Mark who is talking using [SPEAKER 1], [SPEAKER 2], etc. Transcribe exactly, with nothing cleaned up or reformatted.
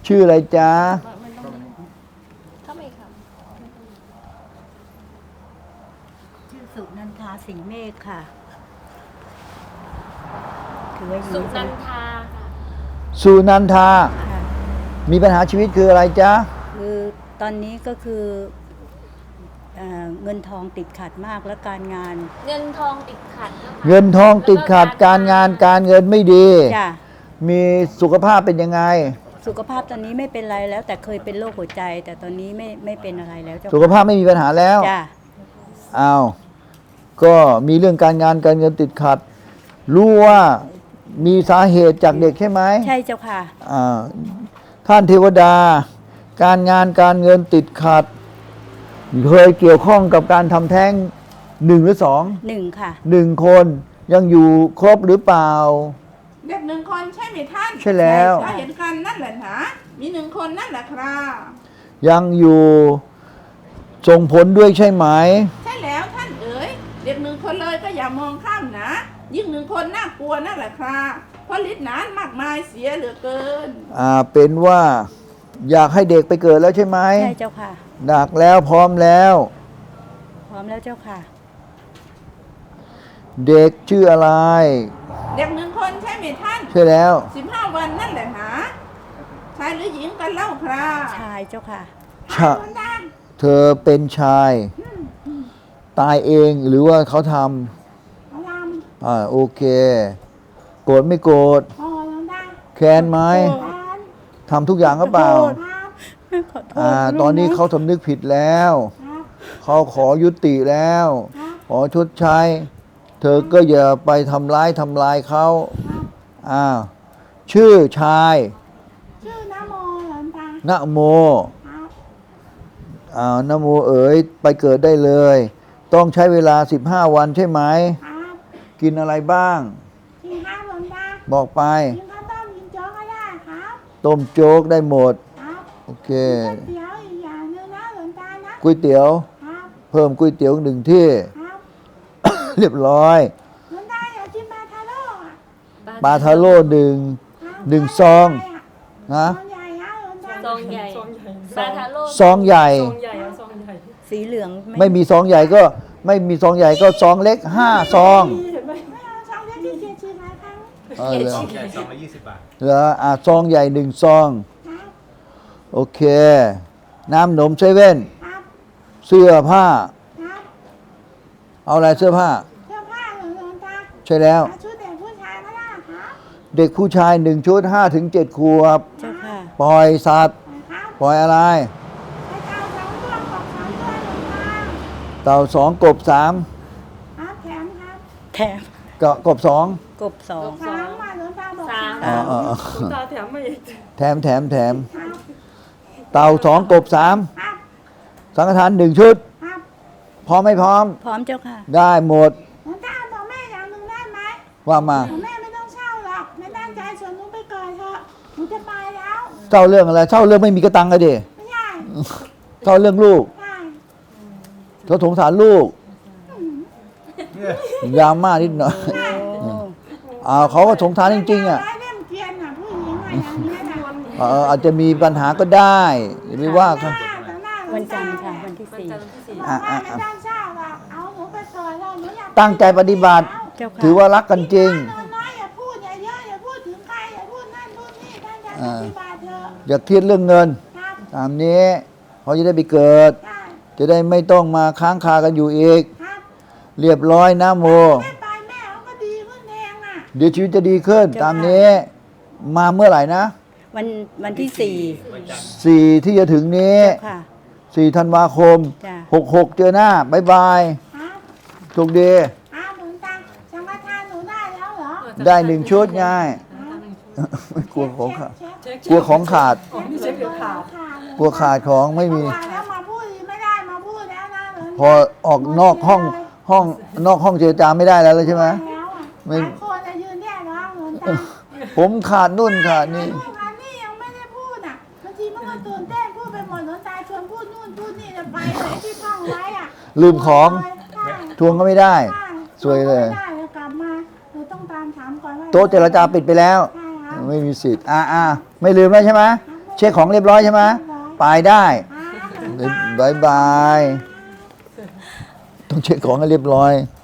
[SPEAKER 1] ชื่ออะไรจ๊ะ
[SPEAKER 2] เข้าไปค่ะ
[SPEAKER 3] ชื่อสุนันทาสิงห์เมฆค่ะถือว่า
[SPEAKER 2] สุ
[SPEAKER 3] หญิง
[SPEAKER 2] นันทาค่ะ
[SPEAKER 1] สุนันทา
[SPEAKER 3] ค่ะ
[SPEAKER 1] มีปัญหาชีวิตคืออะไรจ๊ะ
[SPEAKER 3] คือตอนนี้ก็คือเอ่อเงินทองติดขัดมากและการงาน
[SPEAKER 2] เงินทองติดขัดนะคะ
[SPEAKER 1] เงินทองติดขัดการงานการเงินไม่ดี
[SPEAKER 3] จ้ะ
[SPEAKER 1] มีสุขภาพเป็นยังไง
[SPEAKER 3] สุขภาพตอนนี้ไม่เป็นไรแล้ว แต่เคยเป็นโรคหัวใจ แต่ตอนนี้ไม่ไม่เป็นอะไรแล้วเจ้า
[SPEAKER 1] สุขภาพไม่มีปัญหาแล้ว
[SPEAKER 3] จ้ะ
[SPEAKER 1] อ้าวก็มีเรื่องการงานการเงินติดขัด รู้ว่ามีสาเหตุจากเด็กใช่ไหม
[SPEAKER 3] ใช่เจ้าค่ะ
[SPEAKER 1] อ่าท่านเทวดา การงานการเงินติดขัดเคยเกี่ยวข้องกับการทำแท้งหนึ่งหรือสอง
[SPEAKER 3] หนึ่งค่ะ
[SPEAKER 1] หนึ่งคนยังอยู่ครบหรือเปล่า
[SPEAKER 4] เด็กหนึ่งคนใช่ไหมท่าน
[SPEAKER 1] ใช่แล้ว
[SPEAKER 4] ก็เห็นกันนั่นแหละนะมีหนึ่งคนนั่นแหละครับ
[SPEAKER 1] ยังอยู่ส่งผลด้วยใช่ไหม
[SPEAKER 4] ใช่แล้วท่านเอ๋ยเด็กหนึ่งคนเลยก็อย่ามองข้ามนะ ยิ่งหนึ่งคนน่ากลัวนั่นแหละครับเพราะฤทธิ์นั้นมากมายเสียเหลือเกิน
[SPEAKER 1] อ่าเป็นว่าอยากให้เด็กไปเกิดแล้วใช่ไหม
[SPEAKER 3] ใช่เจ้าค่ะ
[SPEAKER 1] ดักแล้วพร้อมแล้ว
[SPEAKER 3] พร้อมแล้วเจ้าค่ะ
[SPEAKER 1] เด็กชื่ออะไร
[SPEAKER 4] เด็กหนึ่งคนใช่ไหมท่าน
[SPEAKER 1] ใช่แล้ว
[SPEAKER 4] สิบห้าวันนั่นแหละนะชายหรือหญิงกันเล่าครับ
[SPEAKER 3] ชายเจ้าค่ะ
[SPEAKER 1] ชะ เธอเป็นชาย ตายเองหรือว่าเขาท
[SPEAKER 4] พลัง
[SPEAKER 1] ำอ่าโอเค โกรธไม่โกรธ
[SPEAKER 4] พอแล้วนะ
[SPEAKER 1] แค้นไหม
[SPEAKER 4] แอน
[SPEAKER 1] ทำทุกอย่างก็เปล่า
[SPEAKER 4] ครับ
[SPEAKER 3] ขอโทษ
[SPEAKER 1] อ่าตอนนี้เขาสำนึกผิดแล้ว
[SPEAKER 4] ครับ
[SPEAKER 1] เขาขอยุติแล้ว
[SPEAKER 4] ครับ
[SPEAKER 1] ขอชดใช้ เธอก็อย่าไปทำร้ายทำลายเขา
[SPEAKER 4] ครับ
[SPEAKER 1] อ้าวชื่อชาย
[SPEAKER 4] ชื่อนะโมหลวงตา
[SPEAKER 1] นะโม
[SPEAKER 4] ครับ
[SPEAKER 1] อ้าวนะโมเอ๋ยไปเกิดได้เลย ต้องใช้เวลาสิบห้าวันใช่ไหม
[SPEAKER 4] ครับ
[SPEAKER 1] กินอะไรบ้าง
[SPEAKER 4] กินข้าวหลวงตา
[SPEAKER 1] บอกไป
[SPEAKER 4] กินข้าวต้มกินโจ๊กก็ได้ครับ
[SPEAKER 1] ต้มโจ๊กได้หมด
[SPEAKER 4] ครับ
[SPEAKER 1] โอเค
[SPEAKER 4] ก๋วยเตี๋ยวอีกอย่างหนึงนะหลวงตานะ
[SPEAKER 1] ก๋วยเตี๋ยว
[SPEAKER 4] ครับ
[SPEAKER 1] เพิ่มก๋วยเตี๋ยวหนึ่งที่
[SPEAKER 4] ครับ
[SPEAKER 1] เรียบร้อย
[SPEAKER 4] หลวงตาอยากกินปลาทาโร่อะ
[SPEAKER 1] ปลาทาโร่หนึ่ง
[SPEAKER 4] ครับ
[SPEAKER 1] หนึ่งซอง นะ
[SPEAKER 4] ซองใหญ่อะหลวงตา
[SPEAKER 2] ซองใหญ่ปลาทาโร่
[SPEAKER 1] ซองใหญ่
[SPEAKER 5] ซองใหญ่เอาซองใหญ่
[SPEAKER 3] สีเหลือง
[SPEAKER 1] ไม่มีซองใหญ่ก็ไม่มีซองใหญ่ก็ซองเล็กห้าซอง
[SPEAKER 5] เห็นไหม
[SPEAKER 4] ไม่เอาซองเล็กที่เกียรชิมหลายครั้ง
[SPEAKER 1] เออเหรอ
[SPEAKER 6] ซองใหญ่ซองละยี่สิบบาท
[SPEAKER 1] เหรออ่ะซองใหญ่หนึ่งซอง
[SPEAKER 4] ครับ
[SPEAKER 1] โอเค น้ำหนมเซเว่น
[SPEAKER 4] ครับ
[SPEAKER 1] เสื้อผ้า
[SPEAKER 4] ครับ
[SPEAKER 1] เอาอะไรเสื้อผ้า
[SPEAKER 4] เสื้อผ้าเหรอหลวงตา
[SPEAKER 1] ใช่แล้ว
[SPEAKER 4] เอาชุดเด็กผู้ชายก็ได้ครับ
[SPEAKER 1] เด็กผู้ชายหนึ่งชุดห้าถึงเจ็ดขวบ
[SPEAKER 3] เจ้าค่ะ
[SPEAKER 1] ปล่อยสัตว์
[SPEAKER 4] ครับ
[SPEAKER 1] ปล่อยอะไร
[SPEAKER 4] ไปเตาสองตัวกบสองตัวหลวงตา
[SPEAKER 1] เต่าสองกบสาม
[SPEAKER 4] ครับแถมครับ
[SPEAKER 3] แถม
[SPEAKER 1] กะกบสอง
[SPEAKER 3] กบสอง
[SPEAKER 4] สามมาหลวงตาบอก
[SPEAKER 2] สาม
[SPEAKER 1] อ๋ออ๋ออ๋อ
[SPEAKER 5] ตาแถมมาอีก
[SPEAKER 1] แถมแถมแถม
[SPEAKER 4] ครับ
[SPEAKER 1] เต่าสองกบสาม
[SPEAKER 4] ครับ
[SPEAKER 1] สังฆทานหนึ่งชุด
[SPEAKER 4] ครับ
[SPEAKER 1] พร้อมไม่พร้อม
[SPEAKER 3] พร้อมเจ้าค่ะ
[SPEAKER 1] ได้หมด
[SPEAKER 4] หลวงตาบอกแม่อย่างหนึ่งได้ไหม
[SPEAKER 1] ว่ามา
[SPEAKER 4] บอกแม่ไม่ต้องเช่าหรอกแม่ตั้งใจชวนหนูไปก่อนเถอะหนูจะไปแล้ว
[SPEAKER 1] เจ้าเรื่องอะไรเจ้าเรื่องไม่มีกระตังกันดิ
[SPEAKER 4] ไม่ใช่
[SPEAKER 1] เจ้าเรื่องลูก
[SPEAKER 4] ใช่
[SPEAKER 1] เขาสงสารลูกยามมากนิดหน่อย
[SPEAKER 3] โอ้
[SPEAKER 1] อ่าเขาก็สงสารจริงๆอ่ะ
[SPEAKER 4] ร้อยเล่มเกวียนอ่ะผู้หญิงอ่ะอย่างนี้นะ
[SPEAKER 1] เอออาจจะมีปัญหาก็ได้อย่าไปว่าเขา
[SPEAKER 3] วันจันทร์ค่ะ วันที่
[SPEAKER 2] วัน
[SPEAKER 3] สี่
[SPEAKER 2] จันทร์ที่สี่
[SPEAKER 4] บอกว่าไม่ต้องเช่าหรอกเอาหนูไปก่อนแล้วหนูอยาก
[SPEAKER 1] ตั้งใจปฏิบัติ
[SPEAKER 3] เจ้าค่ะ
[SPEAKER 1] ถือว่ารักกันจริง
[SPEAKER 4] น้อยๆอย่าพูดอย่าเยอะอย่าพูดถึงใครอย่าพูดนั่นพูดนี่ตั้งใจปฏิบัติเถอะ
[SPEAKER 1] อย่าเครียดเรื่องเงิน
[SPEAKER 4] ครับ
[SPEAKER 1] ตามนี้เขาจะได้ไปเกิด
[SPEAKER 4] ได้
[SPEAKER 1] จะได้ไม่ต้องมาค้างคากันอยู่อีก
[SPEAKER 4] ครับ
[SPEAKER 1] เรียบร้อยนะโม
[SPEAKER 4] ไม่ไปแม่เขาก็ดีขึ้นเองอ่ะ
[SPEAKER 1] เดี๋ยวชีวิตจะดีขึ้น ตามนี้ มาเมื่อไหร่นะ
[SPEAKER 3] วันวันที่สี่
[SPEAKER 1] สี่ที่จะถึงนี้
[SPEAKER 3] เจ้าค่ะ
[SPEAKER 1] สี่ธันวาคม
[SPEAKER 3] จ้ะ
[SPEAKER 1] หกหกเจอหน้าบายบาย
[SPEAKER 4] ครับ
[SPEAKER 1] โชคดี
[SPEAKER 4] ครับหลวงตาสังฆทานหนูได้แล้วเหรอ
[SPEAKER 1] ได้หนึ่งชุดง่าย ไม่กลัวของขาด
[SPEAKER 4] เช็ค
[SPEAKER 1] กลัวของขาด
[SPEAKER 5] อ๋อนี่เช็คเดี๋ยวขาด
[SPEAKER 1] กลัวขาดของไม่มี
[SPEAKER 4] ขาดแล้วมาพูดอีกไม่ได้มาพูดแล้วนะหลวงตา
[SPEAKER 1] พอออกนอกห้องห้องนอกห้องเจรจาไม่ได้แล้วเลยใช่ไหม
[SPEAKER 4] แล้วอ่ะ
[SPEAKER 1] ไม่
[SPEAKER 4] หลายคนจะยืนแยกร้องหลวงตา
[SPEAKER 1] ผมขาดนุ่นขาดนี่
[SPEAKER 4] พูดอันนี้ยังไม่ได้พูดอ่ะบางทีมันก็ตื่นเต้นพูดไปหมดหลวงตาชวนพูดนู่นพูดนี่จะไปเลยที่ท่องไว้อ่ะ
[SPEAKER 1] ลืมของ
[SPEAKER 4] ใช่
[SPEAKER 1] ทวงก็ไม่ได้
[SPEAKER 4] ใช่
[SPEAKER 1] สวยเลย
[SPEAKER 4] ไม่ได้แล้วกลับมาเราต้องตามถามก่อนว่า
[SPEAKER 1] โต๊ะเจรจาปิดไปแล้ว
[SPEAKER 4] ใช่ครับ
[SPEAKER 1] ไม่มีสิทธิ์อ่าอ่าไม่ลืมแล้วใช่ไหม
[SPEAKER 4] ไม่
[SPEAKER 1] เช็คของเรียบร้อยใช่ไหมไปได้บายบาย ต้องเช็คของให้เรียบร้อย